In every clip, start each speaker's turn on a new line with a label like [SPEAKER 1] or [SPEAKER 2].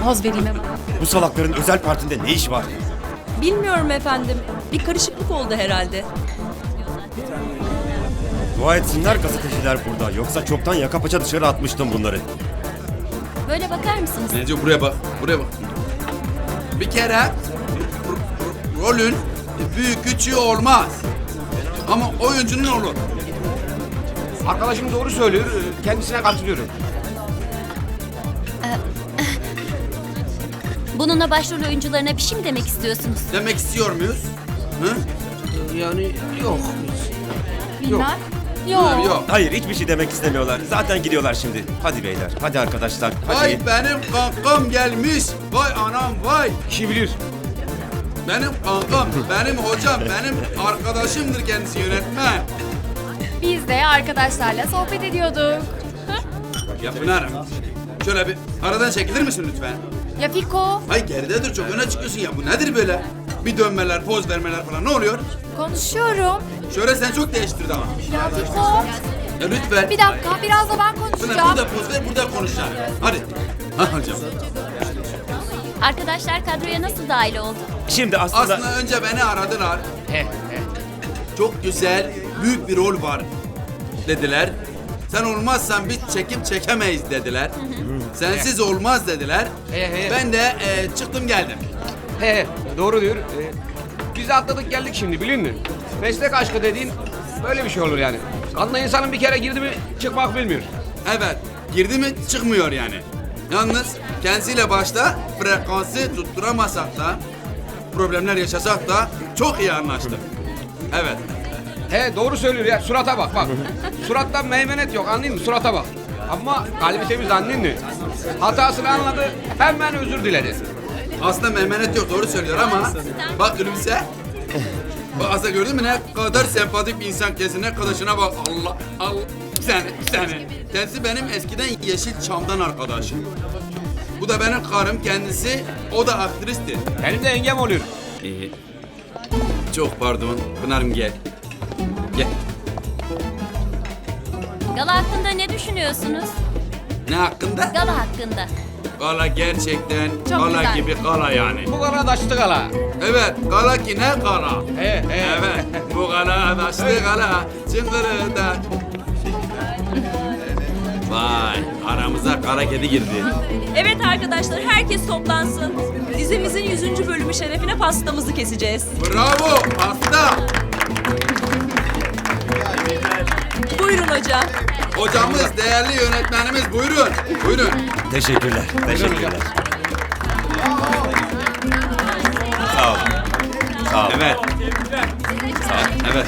[SPEAKER 1] Poz vereyim hemen.
[SPEAKER 2] Bu salakların özel partinde ne iş var?
[SPEAKER 3] Bilmiyorum efendim. Bir karışıklık oldu herhalde.
[SPEAKER 2] Dua etsinler gazeteciler burada. Yoksa çoktan yaka paça dışarı atmıştım bunları.
[SPEAKER 1] Böyle bakar mısınız?
[SPEAKER 4] Neco buraya bak, buraya bak. Bir kere rolün büyük küçüğü olmaz. Ama oyuncunun olur.
[SPEAKER 5] Arkadaşım doğru söylüyor. Kendisine katılıyorum.
[SPEAKER 1] Bununla başrol oyuncularına bir şey mi demek istiyorsunuz?
[SPEAKER 4] Demek istiyor muyuz? Hı?
[SPEAKER 5] Yani yok.
[SPEAKER 1] Bilmem.
[SPEAKER 4] Yok. Yok.
[SPEAKER 2] Hayır, hiçbir şey demek istemiyorlar. Zaten gidiyorlar şimdi. Hadi beyler, hadi arkadaşlar, hadi.
[SPEAKER 4] Vay benim kankam gelmiş. Vay anam vay.
[SPEAKER 5] İşi bilir.
[SPEAKER 4] Benim kankam, benim hocam, benim arkadaşımdır kendisi yönetmen.
[SPEAKER 6] Biz de arkadaşlarla sohbet ediyorduk.
[SPEAKER 4] Ya Pınar'ım, şöyle bir aradan çekilir misin lütfen?
[SPEAKER 6] Ya Fiko,
[SPEAKER 4] Hay geride dur, çok öne çıkıyorsun ya. Bu nedir böyle? Bir dönmeler, poz vermeler falan ne oluyor?
[SPEAKER 6] konuşuyorum.
[SPEAKER 4] Şöyle sen çok değiştirdi ama.
[SPEAKER 6] Ya Fiko,
[SPEAKER 4] Ya lütfen.
[SPEAKER 6] bir dakika biraz da ben
[SPEAKER 4] Pınar
[SPEAKER 6] konuşacağım.
[SPEAKER 4] burada poz ver, burada konuşacağım. Hadi. Ha hocam.
[SPEAKER 1] Arkadaşlar kadroya nasıl dahil oldu?
[SPEAKER 2] Şimdi aslında...
[SPEAKER 4] Aslında önce beni aradılar. Çok güzel, büyük bir rol var dediler. Sen olmazsan biz çekim çekemeyiz dediler. Sensiz olmaz dediler. Ben de çıktım geldim.
[SPEAKER 5] He, doğru diyor. Biz de atladık geldik şimdi bilin mi? Meslek aşkı dediğin böyle bir şey olur yani. Kanla insanın bir kere girdi mi çıkmak bilmiyor.
[SPEAKER 4] Evet, girdi mi çıkmıyor yani. Yalnız kendisiyle başta frekansı tutturamasak da, problemler yaşasak da çok iyi anlaştık. Evet.
[SPEAKER 5] He doğru söylüyor ya surata bak bak. Surattan meymenet yok anladın mı surata bak. Ama kalbi temiz anladın mı? Hatasını anladı hemen özür diledi.
[SPEAKER 4] Aslında meymenet yok, doğru söylüyor ama bak gülümse. Bak aslında gördün mü ne kadar sempatik bir insan kesin, ne kadar şuna bak. Allah Allah. Bir saniye. Kendisi benim eskiden Yeşilçam'dan arkadaşım. Bu da benim karım kendisi, o da aktristi.
[SPEAKER 5] Benim de yengem oluyor.
[SPEAKER 4] Çok pardon, Pınar'ım gel. Gel.
[SPEAKER 1] Gala hakkında ne düşünüyorsunuz?
[SPEAKER 4] Ne hakkında?
[SPEAKER 1] Gala hakkında.
[SPEAKER 4] Gala gerçekten
[SPEAKER 6] Çok
[SPEAKER 4] gala
[SPEAKER 6] güzel.
[SPEAKER 4] gibi gala yani.
[SPEAKER 5] Bu kadar daştı gala.
[SPEAKER 4] Evet, gala ki ne gala?
[SPEAKER 5] He.
[SPEAKER 4] Evet, bu gala daşlı gala, çıngırı da. Vay, aramıza kara kedi girdi.
[SPEAKER 3] Evet arkadaşlar, herkes toplansın. Dizimizin 100. bölümü şerefine pastamızı keseceğiz.
[SPEAKER 4] Bravo, pasta.
[SPEAKER 3] Buyurun hocam.
[SPEAKER 4] Hocamız, değerli yönetmenimiz, buyurun. Buyurun.
[SPEAKER 2] Teşekkürler, teşekkürler. Sağ olun. Sağ olun.
[SPEAKER 4] Evet. Evet.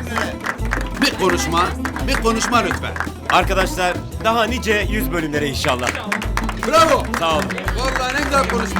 [SPEAKER 4] Bir konuşma lütfen.
[SPEAKER 2] Arkadaşlar, daha nice 100 bölümlere inşallah.
[SPEAKER 4] Bravo.
[SPEAKER 2] Sağ olun.
[SPEAKER 4] Vallahi ne güzel konuştu.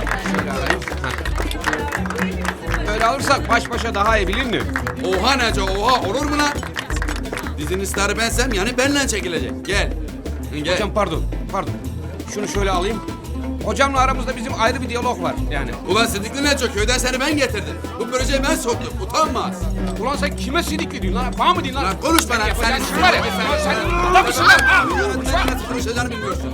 [SPEAKER 5] Öyle alırsak baş başa daha iyi bilin mi?
[SPEAKER 4] Oha Neco, oha olur mu lan? Dizinin starı bensem yani benle çekilecek. Gel. Gel.
[SPEAKER 5] Hocam pardon. Şunu şöyle alayım. Hocamla aramızda bizim ayrı bir diyalog var yani.
[SPEAKER 4] Ulan Sidikli Neco, köyden seni ben getirdim. Bu projeyi ben soktum, utanmaz.
[SPEAKER 5] Ulan sen kime sidikli diyorsun lan? Bana mı diyorsun lan?
[SPEAKER 4] Lan konuş bana,
[SPEAKER 5] Sen
[SPEAKER 4] sen
[SPEAKER 5] var ya. Sen burada mısın lan? Ha?
[SPEAKER 4] Yönetmenin nasıl konuşacağını bilmiyorsun.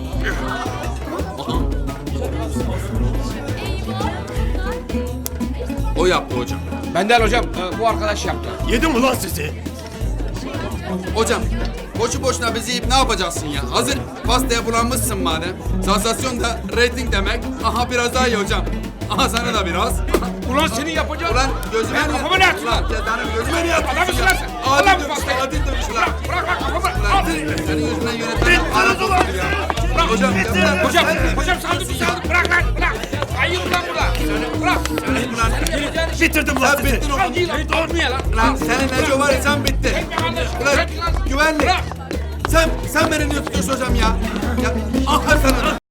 [SPEAKER 4] O yaptı hocam.
[SPEAKER 5] Ben değil hocam. Bu arkadaş yaptı.
[SPEAKER 2] Yedim ulan sizi.
[SPEAKER 4] Hocam, boşu boşuna bizi yiyip ne yapacaksın ya? Hazır pastaya bulanmışsın madem. Sansasyon da reyting demek. Aha biraz daha iyi hocam. Aha sana da biraz.
[SPEAKER 5] Ulan senin yapacağın...
[SPEAKER 4] Ulan gözüme
[SPEAKER 5] Ben kafama ne atıyorsun?
[SPEAKER 4] Ulan cedanım gözüme niye atıyorsun?
[SPEAKER 5] Adam mısın lan sen?
[SPEAKER 4] Adil
[SPEAKER 5] Ulan bu
[SPEAKER 4] dövüş,
[SPEAKER 5] pastayı.
[SPEAKER 4] adil dövüş lan.
[SPEAKER 5] Bırak lan kafamı.
[SPEAKER 4] Ulan
[SPEAKER 5] Al.
[SPEAKER 4] senin yüzünden yönetmenim arası oldu ya. Hocam,
[SPEAKER 5] Hocam saldır. Bırak lan. Bırak. Hayır lan burada. Bırak.
[SPEAKER 2] Bitirdim lan
[SPEAKER 4] Sen
[SPEAKER 2] sizi.
[SPEAKER 4] bittin oğlum.
[SPEAKER 5] Al giy lan. Olmuyor lan.
[SPEAKER 4] Lan senin Neco var ya sen bittin. Ulan güvenlik. Sen beni niye tutuyorsun hocam ya? Ya aha sana.